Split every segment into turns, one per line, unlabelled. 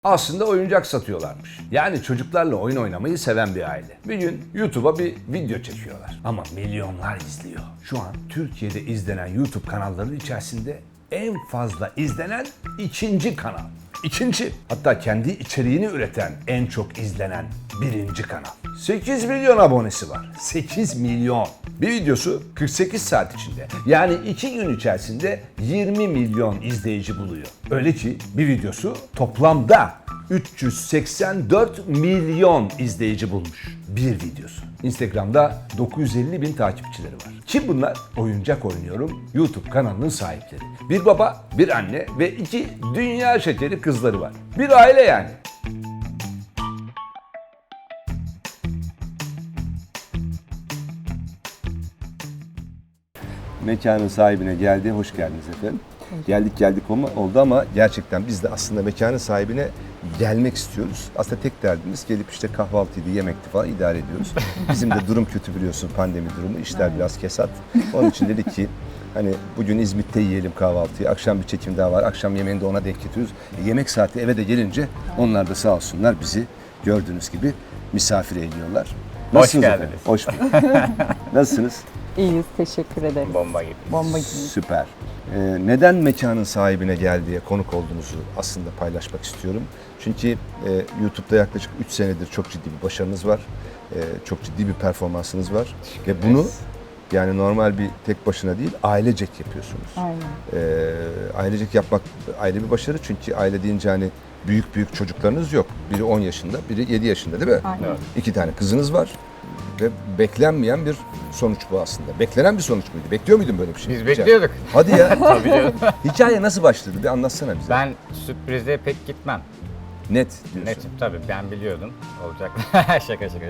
Aslında oyuncak satıyorlarmış. Yani çocuklarla oyun oynamayı seven bir aile. Bir gün YouTube'a bir video çekiyorlar. Ama milyonlar izliyor. Şu an Türkiye'de izlenen YouTube kanallarının içerisinde en fazla izlenen ikinci kanal. İkinci. Hatta kendi içeriğini üreten en çok izlenen birinci kanal. 8 milyon abonesi var. 8 milyon. Bir videosu 48 saat içinde, yani 2 gün içerisinde 20 milyon izleyici buluyor. Öyle ki bir videosu toplamda 384 milyon izleyici bulmuş. Bir videosu. Instagram'da 950 bin takipçileri var. Kim bunlar? Oyuncak Oynuyorum YouTube kanalının sahipleri. Bir baba, bir anne ve 2 dünya şekeri kızları var. Bir aile yani. Mekanın sahibine geldi. Hoş geldiniz efendim. Geldik oldu ama gerçekten biz de aslında mekanın sahibine gelmek istiyoruz. Aslında tek derdimiz gelip işte kahvaltıydı, yemekti falan idare ediyoruz. Bizim de durum kötü biliyorsun, pandemi durumu. İşler biraz kesat. Onun için dedik ki hani bugün İzmit'te yiyelim kahvaltıyı. Akşam bir çekim daha var. Akşam yemeğini de ona denk getiriyoruz. Yemek saati eve de gelince onlar da sağ olsunlar bizi gördüğünüz gibi misafir ediyorlar.
Hoş geldiniz.
Hoş bulduk. Nasılsınız?
İyiyiz, teşekkür ederim.
Bomba gibi.
Bomba gibi.
Süper. Neden mekanın sahibine gel diye konuk olduğunuzu aslında paylaşmak istiyorum. Çünkü YouTube'da yaklaşık 3 senedir çok ciddi bir başarınız var. Çok ciddi bir performansınız var. Ve bunu yani normal bir tek başına değil, ailecek yapıyorsunuz.
Aynen.
Ailecek yapmak ayrı bir başarı. Çünkü aile deyince hani büyük çocuklarınız yok. Biri 10 yaşında, biri 7 yaşında değil mi?
Aynen.
Evet.
2 tane kızınız var. Ve beklenmeyen bir sonuç bu aslında. Beklenen bir sonuç muydu? Bekliyor muydun böyle bir şey?
Biz bekliyorduk.
Hadi ya.
Tabii canım.
Hikaye nasıl başladı? Bir anlatsana bize.
Ben sürprize pek gitmem.
Net diyorsun.
Netim tabii, ben biliyordum olacak. şaka yok.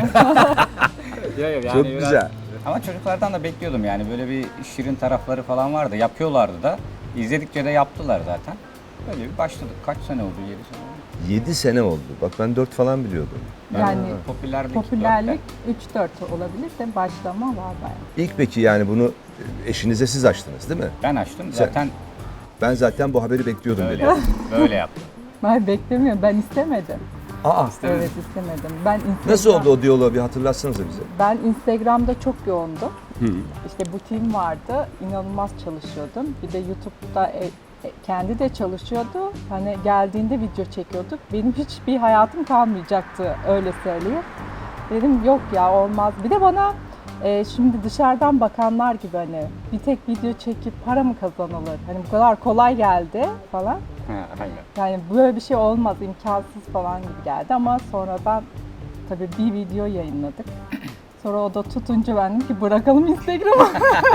Yok,
Çok güzel.
Ama çocuklardan da bekliyordum yani, böyle bir şirin tarafları falan vardı. Yapıyorlardı da. İzledikçe de yaptılar zaten. Böyle bir başladık. Kaç sene oldu? 7 sene oldu.
7 sene oldu. Bak ben 4 falan biliyordum.
Yani
Popülerlik
3-4 olabilir de başlama var bayağı.
İlk peki yani bunu eşinize siz açtınız değil mi?
ben açtım zaten,
Ben zaten bu haberi bekliyordum
böyle
dedi.
yaptım. Böyle yaptım.
Ben beklemiyorum, ben istemedim.
Aa,
Evet, istemedim.
nasıl oldu o diyaloğu bir hatırlatsanıza bize.
Ben Instagram'da çok yoğundum. İşte butiğim vardı, inanılmaz çalışıyordum. Bir de YouTube'da kendi de çalışıyordu. Hani geldiğinde video çekiyorduk. Benim hiçbir hayatım kalmayacaktı, öyle söyleyeyim. Dedim yok ya, olmaz. Bir de bana şimdi dışarıdan bakanlar gibi hani bir tek video çekip para mı kazanılır? Hani bu kadar kolay geldi falan.
Aynen.
Yani böyle bir şey olmaz, imkansız falan gibi geldi ama sonradan tabii bir video yayınladık. Sonra o da tutunca ben dedim ki bırakalım Instagram'ı.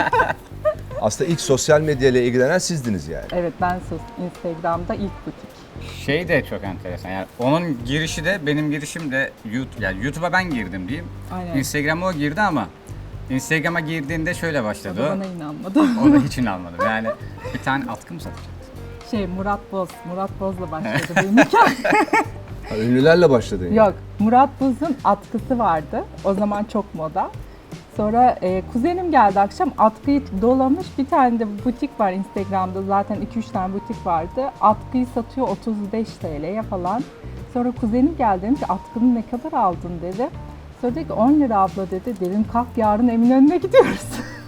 Aslında ilk sosyal medyayla ilgilenen sizdiniz yani.
Evet, ben Instagram'da ilk butik.
Şey de çok enteresan, yani onun girişi de benim girişim de YouTube, yani YouTube'a ben girdim diyeyim.
Aynen.
Instagram'a o girdi ama Instagram'a girdiğinde şöyle başladı
O da
o.
bana inanmadı.
O da hiç inanmadım. Yani bir tane atkı mı satacak?
Murat Boz'la başladı benim hikayem.
Ha, ünlülerle başladın yani.
Yok, Murat Boz'un atkısı vardı. O zaman çok moda. Sonra kuzenim geldi akşam, atkıyı dolamış. Bir tane de butik var Instagram'da, zaten 2-3 tane butik vardı. Atkıyı satıyor 35 TL'ye falan. Sonra kuzenim geldi, dedim ki atkını ne kadar aldın dedi. Sonra dedi ki 10 lira abla dedi. Dedim kalk, yarın Eminönü'ne gidiyoruz.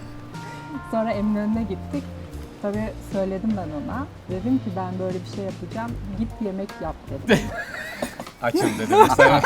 Sonra Eminönü'ne gittik. Tabii söyledim ben ona. Dedim ki ben böyle bir şey yapacağım. Git yemek yap dedim.
Açım dedim.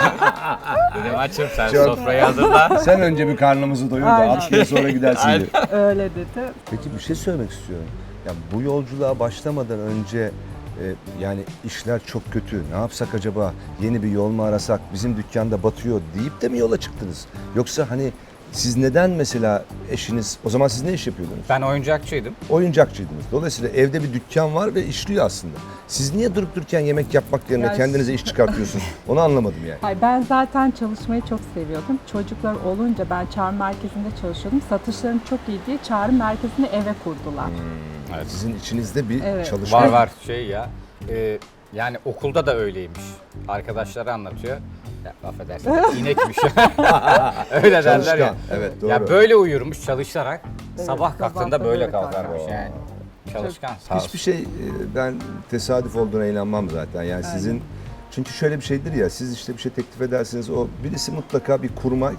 Dedim açım, sen
Çok-
sofrayı hazırla.
Sen önce bir karnımızı doyur da
Aynen.
6 gün sonra gidersin diye.
Öyle dedi.
Peki bir şey söylemek istiyorum. Ya bu yolculuğa başlamadan önce yani işler çok kötü. Ne yapsak acaba? Yeni bir yol mu arasak? Bizim dükkanda batıyor deyip de mi yola çıktınız? Yoksa hani siz neden mesela eşiniz, o zaman siz ne iş yapıyordunuz?
Ben oyuncakçıydım.
Oyuncakçıydınız. Dolayısıyla evde bir dükkan var ve işliyor aslında. Siz niye durup dururken yemek yapmak yerine
Ya
kendinize iş çıkartıyorsunuz? Onu anlamadım yani.
Hayır, ben zaten çalışmayı çok seviyordum. Çocuklar olunca ben çağrı merkezinde çalışıyordum. Satışlarım çok iyi diye çağrı merkezini eve kurdular.
Evet.
Sizin içinizde bir
Evet.
çalışma
Var şey ya. Yani okulda da öyleymiş. Arkadaşları anlatıyor. Ya affedersin, inekmiş. Öyle derler ya.
Çalışkan. Evet, doğru.
Ya böyle uyurmuş çalışarak.
Evet,
sabah kalktığında
sabah da
böyle
böyle
kalkarmış
kalkar.
yani. Çalışkan, sağ olsun.
Hiçbir şey ben tesadüf olduğuna inanmam zaten. Yani sizin
Çünkü şöyle bir şeydir ya, siz işte bir şey teklif edersiniz, o birisi mutlaka bir kurmay,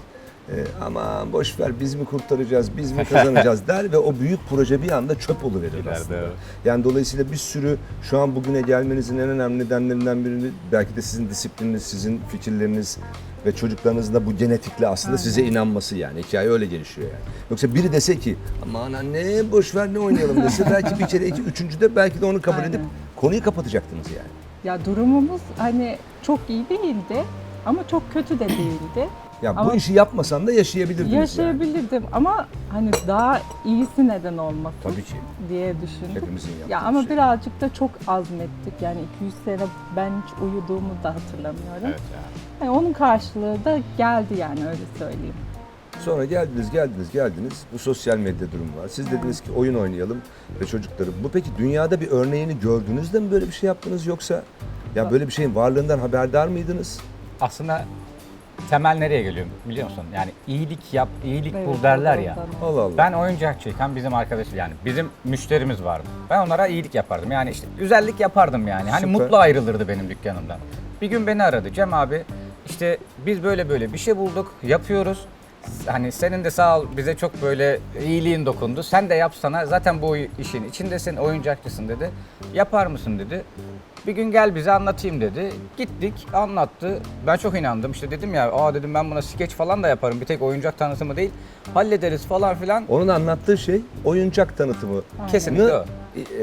aman boş ver biz mi kurtaracağız, biz mi kazanacağız der ve o büyük proje bir anda çöp oluverir aslında.
evet.
Yani dolayısıyla bir sürü şu an bugüne gelmenizin en önemli nedenlerinden birini belki de sizin disiplininiz, sizin fikirleriniz ve çocuklarınızın da bu genetikle aslında size inanması yani. Hikaye öyle gelişiyor yani. Yoksa biri dese ki aman anne boş ver ne oynayalım dese belki bir kere üçüncüde belki de onu kabul edip konuyu kapatacaktınız yani.
Ya durumumuz hani çok iyi değildi ama çok kötü de değildi.
Ya bu
Ama-
işi yapmasan da yaşayabilirdiniz yani.
Yaşayabilirdim ama hani daha iyisi neden olmasın
Tabii ki.
diye düşündüm.
Hepimizin yaptığı
Ya ama
şey.
birazcık da çok azmettik. Yani 200 sene ben hiç uyuduğumu da hatırlamıyorum.
Evet ya.
Yani onun karşılığı da geldi yani öyle söyleyeyim.
Sonra geldiniz. Bu sosyal medya durumu var. Siz dediniz ki oyun oynayalım ve çocukları. Bu peki dünyada bir örneğini gördünüz de mi böyle bir şey yaptınız yoksa ya böyle bir şeyin varlığından haberdar mıydınız?
Aslında temel nereye geliyor biliyor musun? Yani iyilik yap, iyilik
Evet,
bul derler ya.
oradan.
Allah Allah.
Ben oyuncakçıyken bizim arkadaşım yani bizim müşterimiz vardı. Ben onlara iyilik yapardım. Yani işte güzellik yapardım yani. Hani
Süper.
mutlu ayrılırdı benim dükkanımdan. Bir gün beni aradı. Cem abi işte biz böyle bir şey bulduk, yapıyoruz. Hani senin de sağ ol bize çok böyle iyiliğin dokundu. Sen de yapsana. Zaten bu işin içindesin, oyuncakçısın dedi. Yapar mısın dedi. Bir gün gel bize anlatayım dedi. Gittik, anlattı. Ben çok inandım. İşte dedim ya, dedim ben buna skeç falan da yaparım. Bir tek oyuncak tanıtımı değil. Hallederiz falan filan.
Onun anlattığı şey oyuncak tanıtımı.
Kesinlikle o.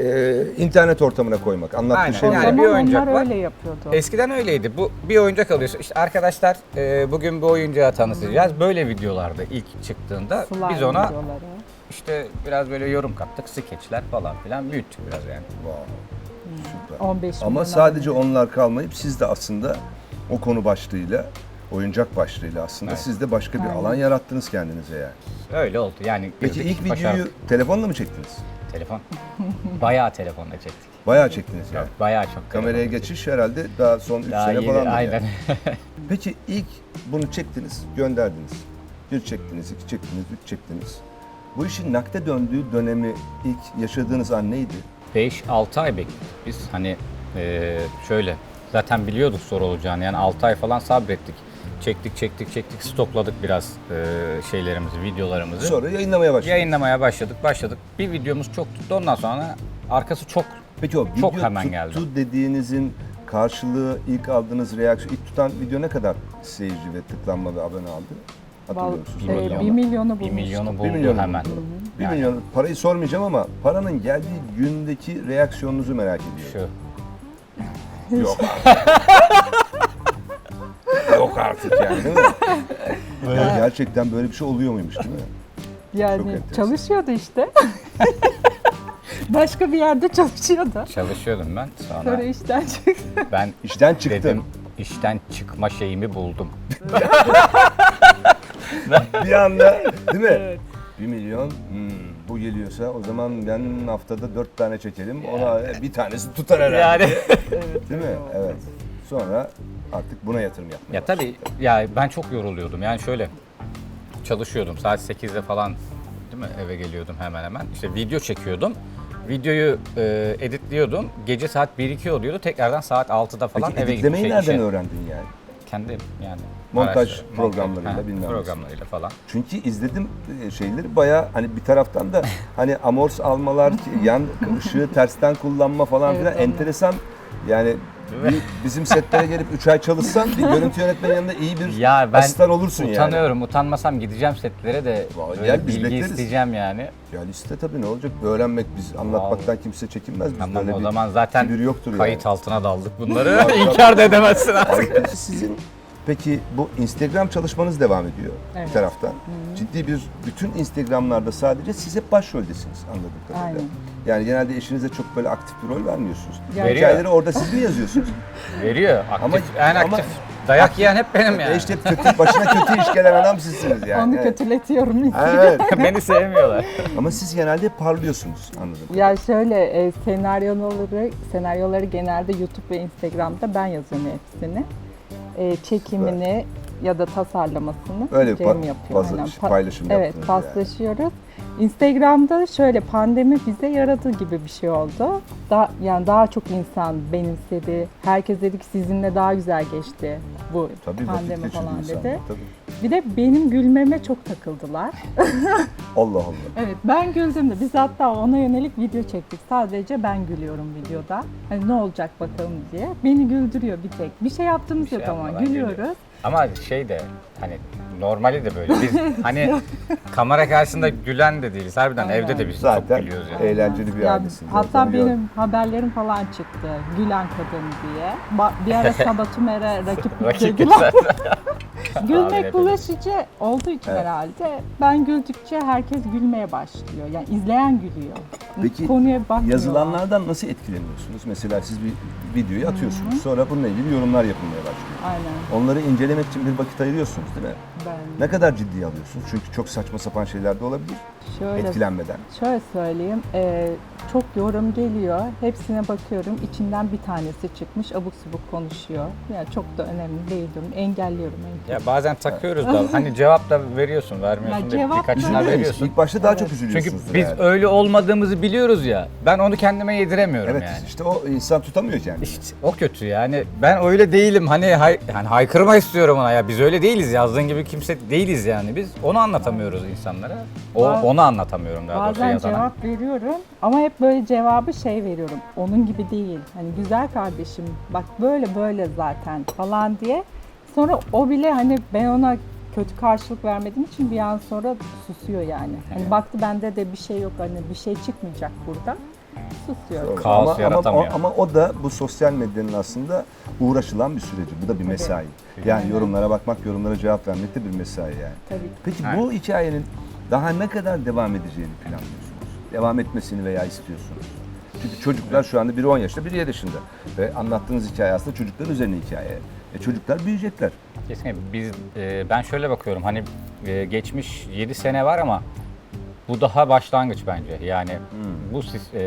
İnternet ortamına koymak. Anlattığı
Aynen.
şey
O
bu.
Yani
zaman
bir oyuncak
onlar
var.
öyle yapıyordu.
Eskiden öyleydi. Bu bir oyuncak alıyorsun. İşte arkadaşlar bugün bu oyuncağı tanıtacağız. Böyle videolarda ilk çıktığında
Slime
biz ona
videoları.
işte biraz böyle yorum kattık. Skeçler falan filan büyüttük biraz yani.
Wow, süper.
15
Ama
milyon
sadece
abone.
onlar kalmayıp siz de aslında o konu başlığıyla, oyuncak başlığıyla aslında
Evet.
siz de başka bir
Aynen.
alan yarattınız kendinize yani.
Öyle oldu. Yani
Peki
girdik,
ilk videoyu
başardık.
telefonla mı çektiniz?
Telefon. Bayağı telefonla çektik.
Bayağı çektiniz yani.
Bayağı çok.
Kameraya
telefonla
geçiş herhalde daha son 3
Daha
sene
yeni,
falan.
aynen.
Peki ilk bunu çektiniz, gönderdiniz. Bir çektiniz, iki çektiniz, üç çektiniz. Bu işin nakde döndüğü dönemi ilk yaşadığınız an neydi?
5-6 ay bekledik biz. Hani şöyle zaten biliyorduk zor olacağını. Yani 6 ay falan sabrettik. Çektik, stokladık biraz şeylerimizi, videolarımızı.
Sonra yayınlamaya başladınız.
Yayınlamaya başladık. Bir videomuz çok tuttu. Ondan sonra arkası çok
Peki o video
Çok hemen
tuttu
geldi.
dediğinizin karşılığı, ilk aldığınız reaksiyon, ilk tutan video ne kadar seyirci ve tıklanma ve abone aldı? Hatırlıyor musunuz?
Bir milyon.
1 milyonu
1
bulmuştu.
milyonu
1
buldu
milyon
hemen.
buldu. 1
Yani
milyon, parayı sormayacağım ama paranın geldiği gündeki reaksiyonunuzu merak ediyorum.
şu.
Yok Yok artık yani değil mi? Yani gerçekten böyle bir şey oluyor muymuş değil mi? Çok
Yani
enteresan.
çalışıyordu işte. Başka bir yerde çalışıyordu.
Çalışıyordum ben.
Sonra
Sonra
işten çıktı.
ben
İşten çıktım.
dedim işten çıkma şeyimi buldum.
Bir anda değil mi?
Evet.
1 milyon bu geliyorsa o zaman ben haftada 4 tane çekelim. Ona bir tanesi tutar herhalde.
Yani
Değil mi? Evet. Sonra artık buna yatırım yapmaya
ya tabii ya ben çok yoruluyordum. Yani şöyle çalışıyordum. Saat 8'de falan değil mi eve geliyordum hemen hemen. İşte video çekiyordum. Videoyu editliyordum. Gece saat 1-2 oluyordu. Tekrardan saat 6'da falan
Peki
eve
editlemeyi
gidip
nereden
işe-
öğrendin yani?
Kendim yani.
Montaj
araştırdım.
programlarıyla
Ha,
bilmem nesi.
programlarıyla falan.
Çünkü izledim şeyleri bayağı hani bir taraftan da hani amors almalar, yan ışığı tersten kullanma falan
Evet,
filan
onlar.
enteresan. Yani bizim setlere gelip 3 ay çalışsan bir görüntü yönetmenin yanında iyi bir
Ya ben
asistan olursun yani.
utanıyorum. Utanmasam gideceğim setlere de
Vallahi
böyle
gel, biz
bilgi
bekleriz.
isteyeceğim yani.
Ya liste tabii ne olacak? Öğrenmek biz anlatmaktan kimse çekinmez. Biz
Tamam
böyle
o
bir
zaman zaten
kibir yoktur
kayıt
yani.
altına daldık bunları. İnkar da edemezsin artık.
Ay, sizin peki bu Instagram çalışmanız devam ediyor bir
Evet.
taraftan. Ciddi bir bütün Instagram'larda sadece siz hep başroldesiniz anladığım kadarıyla.
Aynen.
Yani genelde eşinize çok böyle aktif bir rol vermiyorsunuz.
Yani-
Hikayeleri orada siz mi yazıyorsunuz?
Veriyor. Aktif,
Ama-
en
ama-
aktif. Dayak yiyen hep benim yani.
İşte kötü, başına kötü iş gelen adam sizsiniz yani.
Onu
Evet.
kötületiyorum.
Evet.
Beni sevmiyorlar.
Ama siz genelde hep parlıyorsunuz anladım.
Ya şöyle senaryoları genelde YouTube ve Instagram'da ben yazıyorum hepsini. Çekimini ya da tasarlamasını
Öyle bir
Cem yapıyor.
bazı
aynen.
paylaşım
Evet,
yaptınız yani.
paslaşıyoruz. Instagram'da şöyle pandemi bize yaradığı gibi bir şey oldu. Yani daha çok insan benimsedi. Herkes dedi ki sizinle daha güzel geçti bu
Tabii
pandemi
vakit
falan
geçirdi
dedi.
insanlar, tabii.
Bir de benim gülmeme çok takıldılar.
Allah Allah.
Evet, ben güldüm de biz hatta ona yönelik video çektik. Sadece ben gülüyorum videoda. Hani ne olacak bakalım diye. Beni güldürüyor bir tek. Bir şey yaptığımız
Bir şey
yok ama
yapmadan
gülüyoruz.
gülüyor. Ama şey de hani normali de böyle. Biz hani kamera karşısında gülen de değiliz. Harbiden
Aynen.
evde de biz
Zaten
çok gülüyoruz yani.
eğlenceli bir
Ya,
ailesiniz.
hatta
Onu gördüm.
benim haberlerim falan çıktı. Gülen kadın diye. Bir ara Sabah Tümer'e rakip
Rakip
dediler.
Tahmin
Gülmek
edelim.
bulaşıcı olduğu için
Evet.
herhalde. Ben güldükçe herkes gülmeye başlıyor. Yani izleyen gülüyor.
Peki,
Konuya bakmıyorlar.
Yazılanlardan nasıl etkileniyorsunuz? Mesela siz bir videoyu atıyorsunuz. Sonra bununla ilgili yorumlar yapılmaya başlıyor.
Aynen.
Onları incelemek için bir vakit ayırıyorsunuz değil mi?
Ben
Ne kadar ciddiye alıyorsunuz? Çünkü çok saçma sapan şeyler de olabilir
şöyle
etkilenmeden.
Şöyle söyleyeyim, çok yorum geliyor, hepsine bakıyorum, içinden bir tanesi çıkmış, abuk subuk konuşuyor. Yani çok da önemli değil diyorum, engelliyorum.
Ya bazen takıyoruz da hani cevap da veriyorsun, vermiyorsun
Ya
da
cevap
birkaçına
Üzülüyor
Üzülüyor
veriyorsun.
İlk başta daha çok
Evet.
Çünkü
üzülüyorsunuz.
biz öyle olmadığımızı biliyoruz ya. Ben onu kendime yediremiyorum
Evet,
yani.
işte o insan tutamıyor kendini.
İşte o kötü yani. Ben öyle değilim. Hani hani haykırma istiyorum ona ya. Biz öyle değiliz. Yazdığın gibi kimse değiliz yani biz. Onu anlatamıyoruz insanlara. Onu anlatamıyorum daha doğrusu
Bazen
yazana.
cevap veriyorum ama hep böyle cevabı veriyorum, onun gibi değil. Hani güzel kardeşim, bak böyle böyle zaten falan diye. Sonra o bile hani ben ona kötü karşılık vermediğim için bir an sonra susuyor yani. Hani baktı bende de bir şey yok, hani bir şey çıkmayacak burada. Susuyor.
Kaos yaratamıyor.
Ama o da bu sosyal medyanın aslında uğraşılan bir süreci. Bu da bir mesai. Yani
Aynen.
yorumlara bakmak, yorumlara cevap vermek de bir mesai yani.
Tabii.
Peki
Evet.
bu hikayenin daha ne kadar devam edeceğini planlıyorsunuz? Devam etmesini veya istiyorsunuz? Çünkü çocuklar şu anda biri 10 yaşında, biri 7 yaşında. Ve anlattığınız hikaye aslında çocukların üzerine hikaye. Çocuklar büyüyecekler.
Kesinlikle ben şöyle bakıyorum hani geçmiş 7 sene var ama bu daha başlangıç bence. Yani bu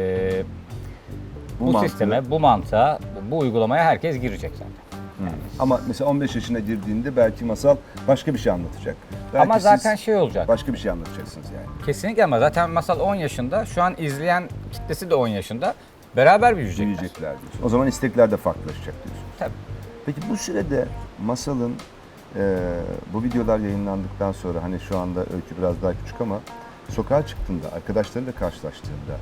mantığı-
sisteme, bu mantığa, bu uygulamaya herkes girecek zaten.
Ama mesela 15 yaşına girdiğinde belki Masal başka bir şey anlatacak. Belki
Ama
siz
zaten şey olacak.
başka bir şey anlatacaksınız yani.
Kesinlikle ama zaten Masal 10 yaşında. Şu an izleyen kitlesi de 10 yaşında. Beraber büyüyecekler.
Büyüyecekler diyorsun. O zaman istekler de farklılaşacak diyorsun.
Tabii.
Peki bu sürede Masal'ın bu videolar yayınlandıktan sonra hani şu anda Öykü biraz daha küçük ama sokağa çıktığında, arkadaşlarıyla karşılaştığında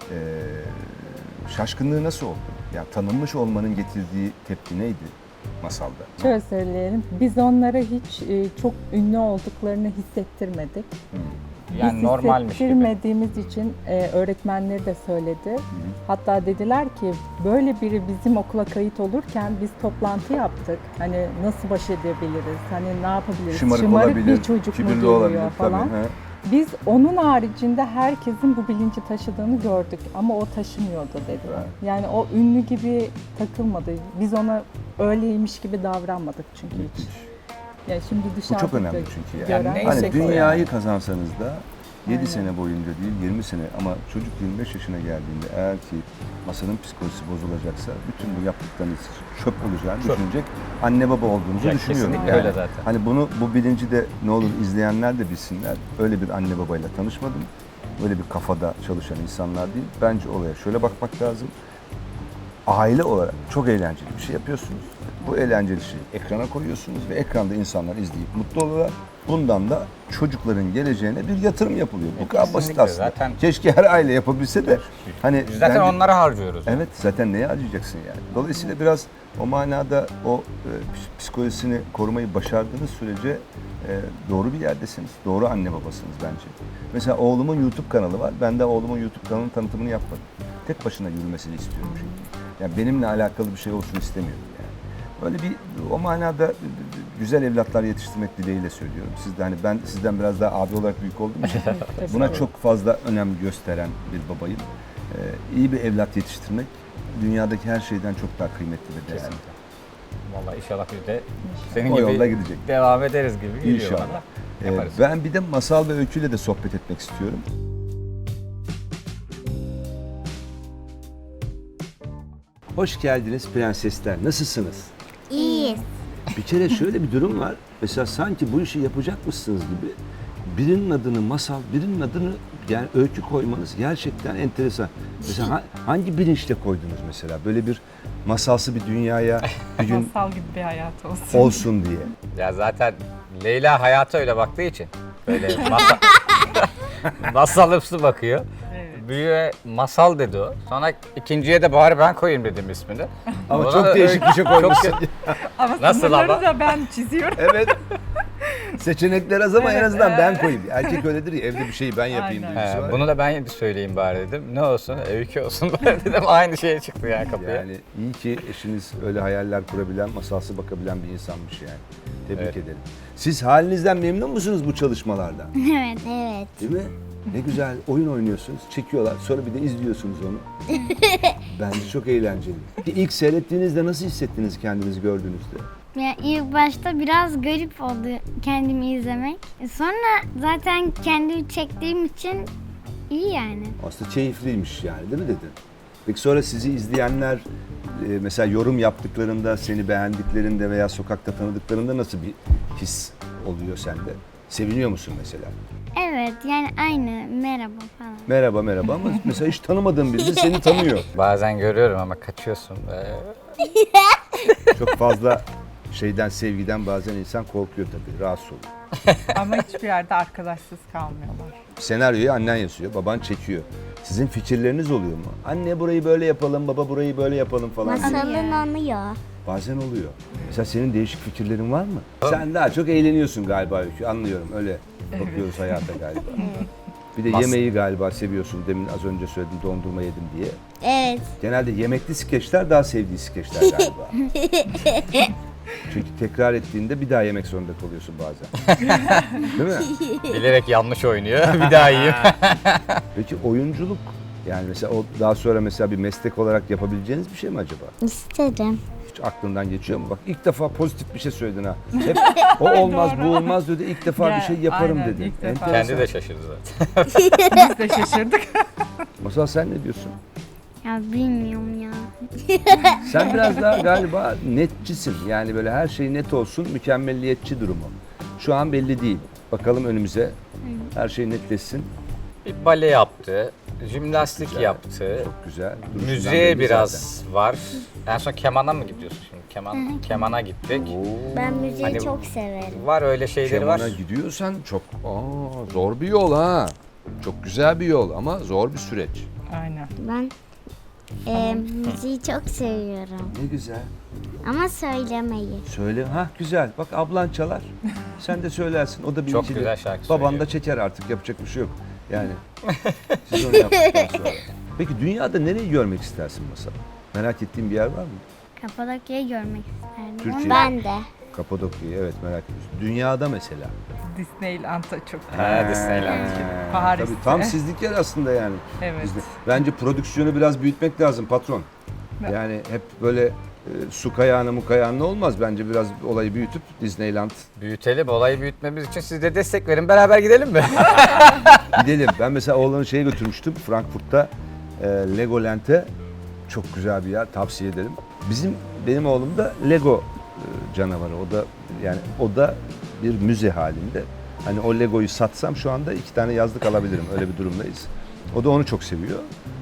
şaşkınlığı nasıl oldu? Yani tanınmış olmanın getirdiği tepki neydi Masal'da?
Şöyle söyleyelim, biz onlara hiç çok ünlü olduklarını hissettirmedik.
Yani
Biz
normalmiş gibi.
hissettirmediğimiz için öğretmenleri de söyledi. Hatta dediler ki böyle biri bizim okula kayıt olurken biz toplantı yaptık. Hani nasıl baş edebiliriz, hani ne yapabiliriz?
Şımarık
Şımarık
olabilir,
bir çocuk mu
kibirli
geliyor
olabilir
falan.
tabii. He.
Biz onun haricinde herkesin bu bilinci taşıdığını gördük ama o taşımıyordu dediler.
Evet.
Yani o ünlü gibi takılmadı. Biz ona öyleymiş gibi davranmadık çünkü hiç. Yani şimdi
Bu
dışarıda
çok önemli
da
çünkü yani.
gören-
neyse
Hani
ki o
dünyayı
yani.
kazansanız da 7
Aynen.
sene boyunca değil 20 sene ama çocuk 25 yaşına geldiğinde eğer ki Masal'ın psikolojisi bozulacaksa bütün bu yaptıklarınız çöp olacağını
Çöp.
düşünecek anne baba olduğunuzu
Ya
düşünüyorum.
kesinlikle öyle zaten.
Hani bu bilinci de ne olur izleyenler de bilsinler. Öyle bir anne babayla tanışmadım. Öyle bir kafada çalışan insanlar değil. Bence olaya şöyle bakmak lazım. Aile olarak çok eğlenceli bir şey yapıyorsunuz. Bu eğlenceli şeyi ekrana koyuyorsunuz ve ekranda insanlar izleyip mutlu oluyorlar. Bundan da çocukların geleceğine bir yatırım yapılıyor. Bu kadar basit
Kesinlikle,
aslında.
zaten-
Keşke her aile yapabilse de hani
Biz zaten
bence-
onlara harcıyoruz.
Evet, zaten neye harcayacaksın yani? Dolayısıyla biraz o manada o psikolojisini korumayı başardığınız sürece doğru bir yerdesiniz. Doğru anne babasınız bence. Mesela oğlumun YouTube kanalı var. Ben de oğlumun YouTube kanalının tanıtımını yapmadım. Tek başına yürümesini istiyorum çünkü. Yani benimle alakalı bir şey olsun istemiyorum yani. Böyle bir o manada güzel evlatlar yetiştirmek dileğiyle söylüyorum. Siz de hani ben sizden biraz daha abi olarak büyük olduğum için buna çok fazla önem gösteren bir babayım. İyi bir evlat yetiştirmek dünyadaki her şeyden çok daha kıymetli ve değerli.
Kesinlikle. Vallahi inşallah biz de senin
O
gibi
yolda gidecek.
devam ederiz gibi geliyor
İnşallah.
bana. Yaparız.
Ben bir de Masal ve Öykü'yle de sohbet etmek istiyorum. Hoş geldiniz prensesler. Nasılsınız?
İyiyiz.
Bir kere şöyle bir durum var. Mesela sanki bu işi yapacakmışsınız gibi birinin adını Masal, birinin adını yani öykü koymanız gerçekten enteresan. Mesela hangi bilinçle koydunuz mesela? Böyle bir masalsı bir dünyaya bir gün
Masal gibi bir hayat olsun.
olsun diye.
Ya zaten Leyla hayata öyle baktığı için böyle masalımsı bakıyor.
Evet.
Büyüğe masal dedi o. Sonra ikinciye de bari ben koyayım dedim ismini.
Ama
Ona
çok
da
değişik bir şey koymuşsun.
Ama
Nasıl
sınırları
ama?
da ben çiziyorum.
Evet. Seçenekler az ama en
Evet,
azından ben koyayım. Erkek öyledir ya, evde bir şeyi ben yapayım
Aynen.
duygusu var.
Bunu da ben söyleyeyim bari dedim. Ne olsun? Öykü olsun bari dedim. Aynı şeye çıktı yani kapıya.
Yani iyi ki eşiniz öyle hayaller kurabilen, masalsı bakabilen bir insanmış yani. Tebrik
Evet.
ederim. Siz halinizden memnun musunuz bu çalışmalardan?
Evet, evet.
Değil mi? Ne güzel oyun oynuyorsunuz, çekiyorlar. Sonra bir de izliyorsunuz onu. Bence çok eğlenceli. İlk seyrettiğinizde nasıl hissettiniz kendinizi gördüğünüzde?
Ya ilk başta biraz garip oldu kendimi izlemek. Sonra zaten kendimi çektiğim için iyi yani.
Aslında keyifliymiş yani, değil mi dedin? Peki sonra sizi izleyenler mesela yorum yaptıklarında, seni beğendiklerinde veya sokakta tanıdıklarında nasıl bir his oluyor sende? Seviniyor musun mesela?
Evet, yani aynı merhaba falan.
Merhaba merhaba ama mesela hiç tanımadığın biri de seni tanıyor.
Bazen görüyorum ama kaçıyorsun.
Çok fazla şeyden, sevgiden bazen insan korkuyor tabii, rahatsız oluyor.
Ama hiçbir yerde arkadaşsız kalmıyorlar.
Senaryoyu annen yazıyor, baban çekiyor. Sizin fikirleriniz oluyor mu? Anne burayı böyle yapalım, baba burayı böyle yapalım falan.
Masalın anıyor.
Bazen oluyor. Mesela senin değişik fikirlerin var mı? Sen daha çok eğleniyorsun galiba Öykü, anlıyorum. Öyle bakıyoruz hayata galiba. Bir de yemeği galiba seviyorsun. Demin az önce söyledim, dondurma yedim diye.
Evet.
Genelde yemekli skeçler daha sevdiği skeçler galiba. Çünkü tekrar ettiğinde bir daha yemek zorunda kalıyorsun bazen. Değil mi?
Bilerek yanlış oynuyor. Bir daha yiyeyim.
Peki oyunculuk, yani mesela o daha sonra mesela bir meslek olarak yapabileceğiniz bir şey mi acaba?
İsterim.
Hiç aklından geçiyor mu? Bak ilk defa pozitif bir şey söyledin ha. Hep o olmaz bu olmaz dedi. İlk defa bir şey yaparım
Aynen,
dedin.
ilk defa.
Enteresan.
Kendi de şaşırdı zaten.
Biz de şaşırdık.
Masal sen ne diyorsun?
Ya bilmiyorum ya.
Sen biraz daha galiba netçisin. Yani böyle her şey net olsun, mükemmelliyetçi durumu. Şu an belli değil. Bakalım önümüze. Her şey netleşsin.
Bir bale yaptı. Jimnastik
Güzel,
yaptı.
Çok güzel. Duruşundan
Müziğe
belli
biraz var. En son kemana mı gidiyorsun şimdi? Kemana gittik.
zaten. Oo.
Ben müziği
Hani-
çok severim.
Var öyle şeyleri var.
Kemana gidiyorsan çok zor bir yol ha. Çok güzel bir yol ama zor bir süreç.
Aynen.
Ben müziği çok seviyorum.
Ne güzel.
Ama söylemeyi.
Söyle. Ha güzel. Bak ablan çalar. Sen de söylersin. O da bir
Çok
ikili.
güzel şarkı
Baban
söylüyor.
da çeker artık. Yapacak bir şey yok. Yani. Siz onu yaptıktan sonra. Peki dünyada nereyi görmek istersin Masal? Merak ettiğin bir yer var mı?
Kapadokya'yı görmek isterdim.
Türkiye.
Ben de.
Kapadokya'yı evet merak ediyorsun. Dünyada mesela.
Disneyland'a çok
Ha, Disneyland.
Paris'te.
Tabii tam sizlik yer aslında yani.
Evet.
Bence prodüksiyonu biraz büyütmek lazım patron. Yani hep böyle su kayağına mu kayağına olmaz. Bence biraz olayı büyütüp Disneyland
Büyütelim, olayı büyütmemiz için siz de destek verin. Beraber gidelim mi?
gidelim. Ben mesela oğlanı şeye götürmüştüm Frankfurt'ta Legoland'e. Çok güzel bir yer, tavsiye ederim. Benim oğlum da Lego canavarı. O da bir müze halinde. Hani o Lego'yu satsam şu anda 2 tane yazlık alabilirim. Öyle bir durumdayız. O da onu çok seviyor.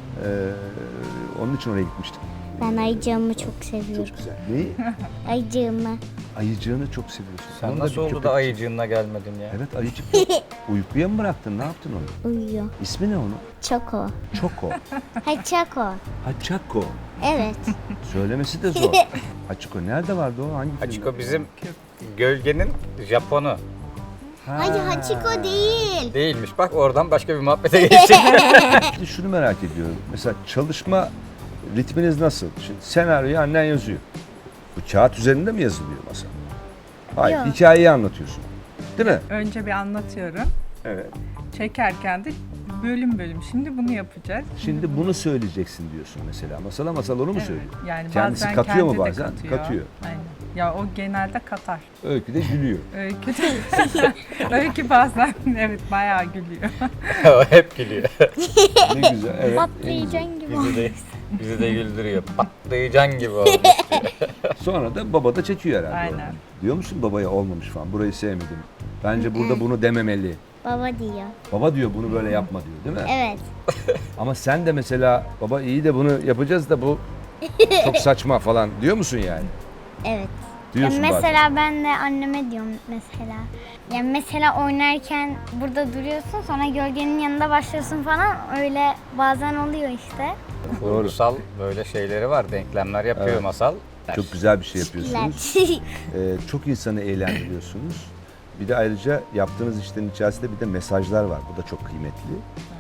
Onun için oraya gitmiştik.
Ben ayıcığımı çok seviyorum.
Çok güzel. Neyi?
Ayıcığımı.
Ayıcığını çok seviyorsun.
Sen
Onun
nasıl
bir
oldu
köpek-
da ayıcığına gelmedin ya?
Evet ayıcık. Uykuya mı bıraktın? Ne yaptın onu?
Uyuyor.
İsmi ne onun?
Çoko.
Choco.
Haçako.
Hachako.
Evet.
Söylemesi de zor. Hachiko nerede vardı o? Hangi filmde?
Hachiko bizim gölgenin Japonu.
Hayır Hachiko değil.
Değilmiş. Bak oradan başka bir muhabbete geçecek.
Şimdi şunu merak ediyorum. Mesela çalışma ritminiz nasıl? Şimdi senaryoyu annen yazıyor. Bu kağıt üzerinde mi yazılıyor masa? Hayır,
Yok.
hikayeyi anlatıyorsun. Değil mi?
Önce bir anlatıyorum.
Evet.
Çekerken de bölüm bölüm. Şimdi bunu yapacağız.
Şimdi bunu söyleyeceksin diyorsun mesela. Masal onu mu
Evet,
söylüyor?
yani
Kendisi
bazen
katıyor mu
kendi de
bazen?
katıyor.
Katıyor.
Aynen. Ya o genelde katar.
Öykü de gülüyor.
Öykü de Öykü bazen evet bayağı gülüyor.
O hep gülüyor.
Ne güzel. Evet.
Patlayacaksın gibi.
Bizi de güldürüyor. Patlıcan gibi olmuş.
Sonra da baba da çekiyor herhalde.
Aynen.
onu. Diyor musun babaya olmamış falan. Burayı sevmedim. Bence burada bunu dememeli.
Baba diyor.
Baba diyor bunu böyle yapma diyor değil mi?
Evet.
Ama sen de mesela baba iyi de bunu yapacağız da bu çok saçma falan diyor musun yani?
Evet.
Diyorsun bazen.
Mesela ben de anneme diyorum mesela. Yani mesela oynarken burada duruyorsun sonra gölgenin yanında başlıyorsun falan öyle bazen oluyor işte.
Kurgusal böyle şeyleri var, denklemler yapıyor
Evet.
Masal.
Çok güzel bir şey yapıyorsunuz. Çok insanı eğlendiriyorsunuz. Bir de ayrıca yaptığınız işlerin içerisinde bir de mesajlar var. Bu da çok kıymetli.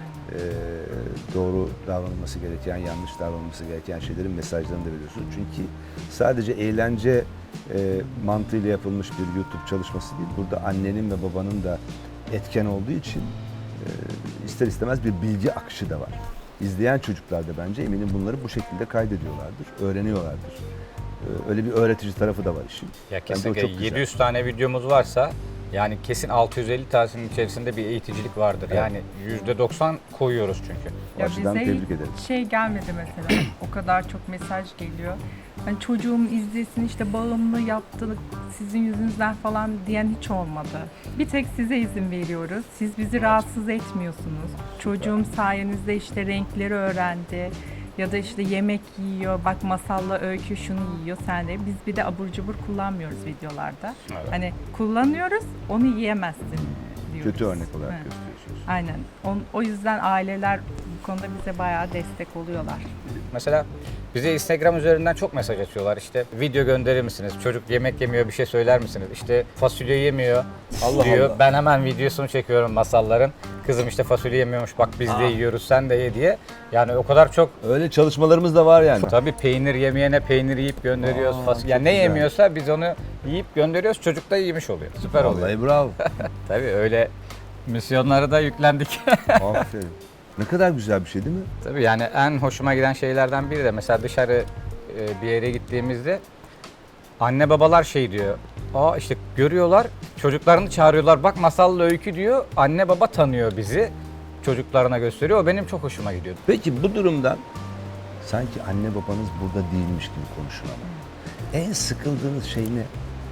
Doğru davranılması gereken, yanlış davranılması gereken şeylerin mesajlarını da veriyorsunuz. Çünkü sadece eğlence mantığıyla yapılmış bir YouTube çalışması değil. Burada annenin ve babanın da etken olduğu için ister istemez bir bilgi akışı da var. İzleyen çocuklar da bence eminim bunları bu şekilde kaydediyorlardır, öğreniyorlardır. Öyle bir öğretici tarafı da var işin.
Ya
Bence o
kesinlikle
çok güzel.
700 tane videomuz varsa yani kesin 650 tanesinin içerisinde bir eğiticilik vardır.
Evet.
Yani %90 koyuyoruz çünkü.
O açıdan
bize
tebrik
hiç
ederim.
şey gelmedi mesela. O kadar çok mesaj geliyor. Hani çocuğum izlesin işte bağımlı yaptı sizin yüzünüzden falan diyen hiç olmadı. Bir tek size izin veriyoruz. Siz bizi rahatsız etmiyorsunuz. Çocuğum sayenizde işte renkleri öğrendi. Ya da işte yemek yiyor, bak Masal'la Öykü şunu yiyor, sen de. Biz bir de abur cubur kullanmıyoruz videolarda.
Evet.
Hani kullanıyoruz, onu yiyemezsin diyoruz.
Kötü örnek olarak
Evet.
gösteriyorsunuz.
Aynen. O yüzden aileler bu konuda bize bayağı destek oluyorlar.
Mesela bize Instagram üzerinden çok mesaj atıyorlar. İşte video gönderir misiniz? Çocuk yemek yemiyor, bir şey söyler misiniz? İşte fasulye yemiyor
Allah
diyor.
Allah.
Ben hemen videosunu çekiyorum Masalların. Kızım işte fasulye yemiyormuş, bak biz de yiyoruz, sen de ye diye. Yani o kadar çok
Öyle çalışmalarımız da var yani.
tabii peynir yemeyene peynir yiyip gönderiyoruz.
Aa,
Fasulye. Yani
çok
ne
güzel.
yemiyorsa biz onu yiyip gönderiyoruz. Çocuk da yemiş oluyor. Süper oluyor.
Vallahi bravo.
Tabii öyle misyonlara da yüklendik.
Aferin. Ne kadar güzel bir şey değil mi?
Tabii yani en hoşuma giden şeylerden biri de mesela dışarı bir yere gittiğimizde anne babalar şey diyor. Aa işte görüyorlar, çocuklarını çağırıyorlar. Bak Masal'la Öykü diyor. Anne baba tanıyor bizi. Çocuklarına gösteriyor. O benim çok hoşuma gidiyor.
Peki bu durumdan sanki anne babanız burada değilmiş gibi konuşun ama. En sıkıldığınız şey ne?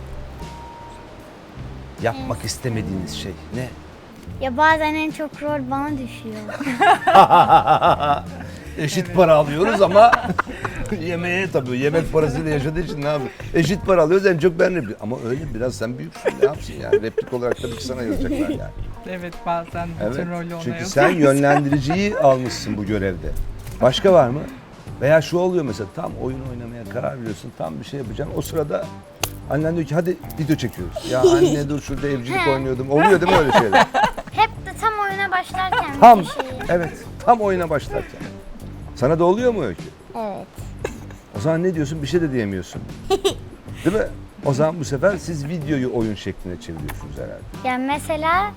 Yapmak istemediğiniz şey ne?
Ya bazen en çok rol bana düşüyor.
Eşit para alıyoruz ama yemeğe tabii yemek parasıyla yaşadığı için ne yapıyor? Eşit para alıyoruz en çok ben replik. Ama öyle biraz sen büyüksün ne yapsın yani replik olarak tabii ki sana yazacaklar yani.
Evet, bazen bütün
Evet.
rolü ona
Çünkü
yazıyor.
sen yönlendiriciyi almışsın bu görevde. Başka var mı? Veya şu oluyor mesela tam oyun oynamaya karar veriyorsun, tam bir şey yapacaksın. O sırada annen diyor ki hadi video çekiyoruz. Ya anne dur şurada evcilik oynuyordum. Oluyor değil mi öyle şeyler?
Hep de tam oyuna başlarken
Tam,
bir şey.
evet tam oyuna başlarken. Sana da oluyor mu Öykü?
Evet.
O zaman ne diyorsun? Bir şey de diyemiyorsun. Değil mi? O zaman bu sefer siz videoyu oyun şekline çeviriyorsunuz herhalde.
Yani mesela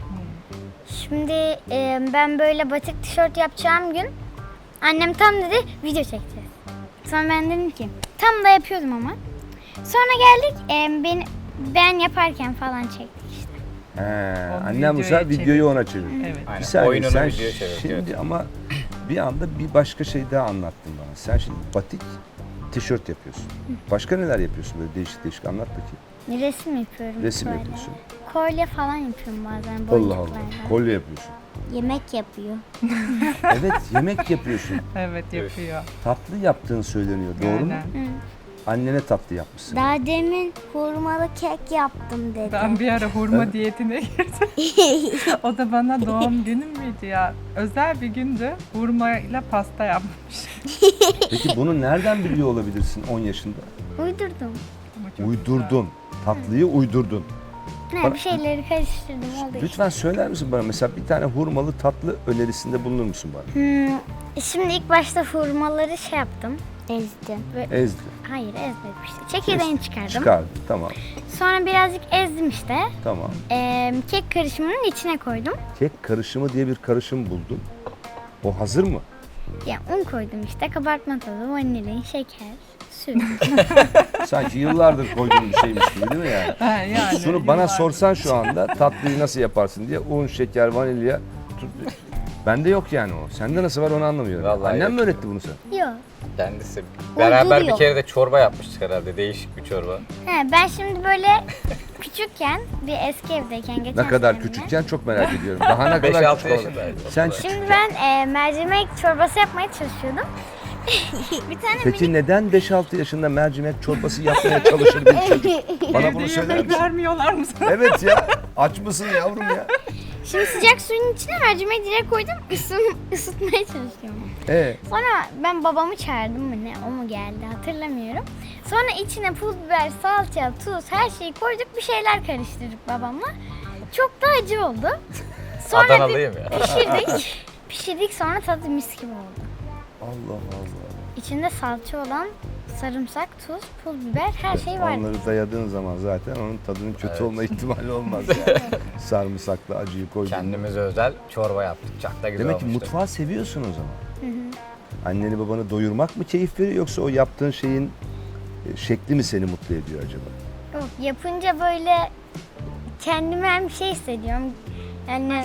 şimdi ben böyle batik tişört yapacağım gün annem tam dedi video çekeceğiz. Sonra ben dedim ki tam da yapıyordum ama. Sonra geldik ben yaparken falan çektik işte.
He,
Onu
annem bu sefer
videoya
videoyu ona çeviriyor.
Evet.
Aynen.
Bir saniye
Oyununu
sen
videoya çeviriyor.
şimdi ama bir anda bir başka şey daha anlattın bana. Sen şimdi batik tişört yapıyorsun. Başka neler yapıyorsun böyle değişik değişik anlat bakayım.
Resim yapıyorum.
Resim
böyle.
yapıyorsun.
Kolye falan yapıyorum bazen
Allah
boncuklarla.
Allah. Kolye yapıyorsun.
Yemek yapıyor.
Evet yemek yapıyorsun.
Evet, yapıyor.
Tatlı yaptığın söyleniyor. Doğru mu?
Aynen.
Annene tatlı yapmışsın.
Daha demin hurmalı kek yaptım dedi.
Ben bir ara hurma diyetine girdim. O da bana doğum günüm müydü ya? Özel bir gündü. Hurmayla pasta yapmış.
Peki bunu nereden biliyor olabilirsin 10 yaşında?
Uydurdum.
Ama çok
Uydurdun. Tatlıyı uydurdun.
Ne bir şeyleri karıştırdım oldu işte.
Lütfen söyler misin bana mesela bir tane hurmalı tatlı önerisinde bulunur musun bana?
Şimdi ilk başta hurmaları şey yaptım. Ezdim.
Ezdi.
Hayır ezmedim işte. Çekirdeğini çıkardım.
Çıkardı. Tamam.
Sonra birazcık ezdim işte.
Tamam.
Kek karışımının içine koydum.
Kek karışımı diye bir karışım buldum. O hazır mı?
Ya un koydum işte. Kabartma tozu, vanilin, şeker, süt.
Sanki yıllardır koyduğum bir şeymiş gibi değil mi yani?
Ha, yani
Şunu bana
yıllardır.
sorsan şu anda tatlıyı nasıl yaparsın diye un, şeker, vanilya. Bende yok yani o. Sende nasıl var onu anlamıyorum.
Vallahi
Annem
yok.
mi öğretti bunu sana?
Yok.
Kendisi. Beraber bir
Uyduruyor.
kere de çorba yapmıştık herhalde. Değişik bir çorba.
He, ben şimdi böyle küçükken bir eski evdeyken geçen
Ne kadar
senemde,
küçükken çok merak ediyorum. Daha ne kadar
5-6
küçük oldu?
yaşındaydı.
Sen
Şimdi ben mercimek çorbası yapmaya çalışıyordum. Bir tane
Peki neden 5-6 yaşında mercimek çorbası yapmaya çalışır bir çocuk? Bana bunu söyler misin?
vermiyorlar mı sana?
Evet ya. Aç mısın yavrum ya?
Şimdi sıcak suyun içine mercimeği direkt koydum, ısıtmaya çalışıyorum. Sonra ben babamı çağırdım mı ne, o mu geldi hatırlamıyorum. Sonra içine pul biber, salça, tuz her şeyi koyduk, bir şeyler karıştırdık babamla. Çok da acı oldu. Sonra
Adanalıyım ya.
pişirdik sonra tadı mis gibi oldu.
Allah Allah.
İçinde salça olan sarımsak, tuz, pul biber her şey vardı.
Onları dayadığın zaman zaten onun tadının kötü olma ihtimali olmaz yani. Sarımsaklı acıyı koydun.
Kendimize özel çorba yaptık. Çok da güzel
Demek ki
olmuştu.
mutfağı seviyorsun o zaman. Anneni babanı doyurmak mı keyif veriyor yoksa o yaptığın şeyin şekli mi seni mutlu ediyor acaba?
Yok, yapınca böyle kendime hem bir şey hissediyorum. Yani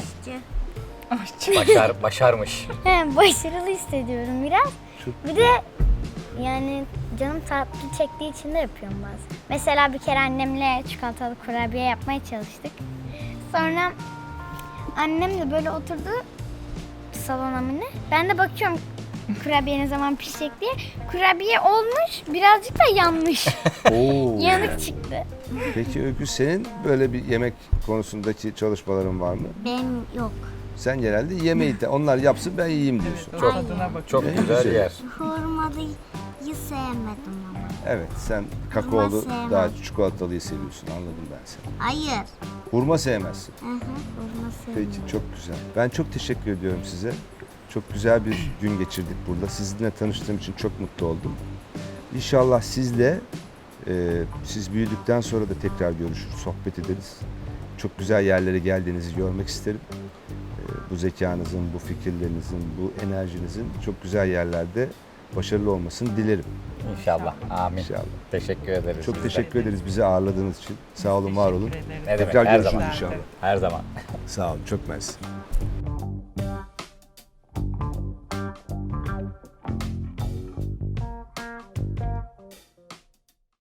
Başarmış.
başarılı hissediyorum biraz. Bir de yani canım tatlı çektiği için de yapıyorum bazen. Mesela bir kere annemle çikolatalı kurabiye yapmaya çalıştık. Sonra annem de böyle oturdu salona mı ne? Ben de bakıyorum kurabiye ne zaman pişecek diye. Kurabiye olmuş, birazcık da yanmış.
Oo.
Yanık çıktı.
Peki Öykü senin böyle bir yemek konusundaki çalışmaların var mı?
Benim yok.
Sen genelde yemeği de onlar yapsın ben yiyeyim diyorsun.
Çok
Ne
güzel
güzel.
yer.
Hurmalıyı sevmedim ama.
Evet sen kakaolu
sevmem.
daha çikolatalıyı seviyorsun anladım ben seni.
Hayır.
Hurma sevmezsin.
Hurma sevmedim.
Peki çok güzel. Ben çok teşekkür ediyorum size. Çok güzel bir gün geçirdik burada. Sizinle tanıştığım için çok mutlu oldum. İnşallah sizle siz büyüdükten sonra da tekrar görüşür, sohbet ederiz. Çok güzel yerlere geldiğinizi görmek isterim. Bu zekanızın, bu fikirlerinizin, bu enerjinizin çok güzel yerlerde başarılı olmasını dilerim.
İnşallah. Amin.
İnşallah.
Teşekkür ederiz.
Çok
size.
teşekkür ederiz bizi ağırladığınız için. Sağ olun, var olun.
Ne demek?
Tekrar
Her
görüşürüz
zaman.
inşallah.
Her zaman.
Sağ olun, çok mersi.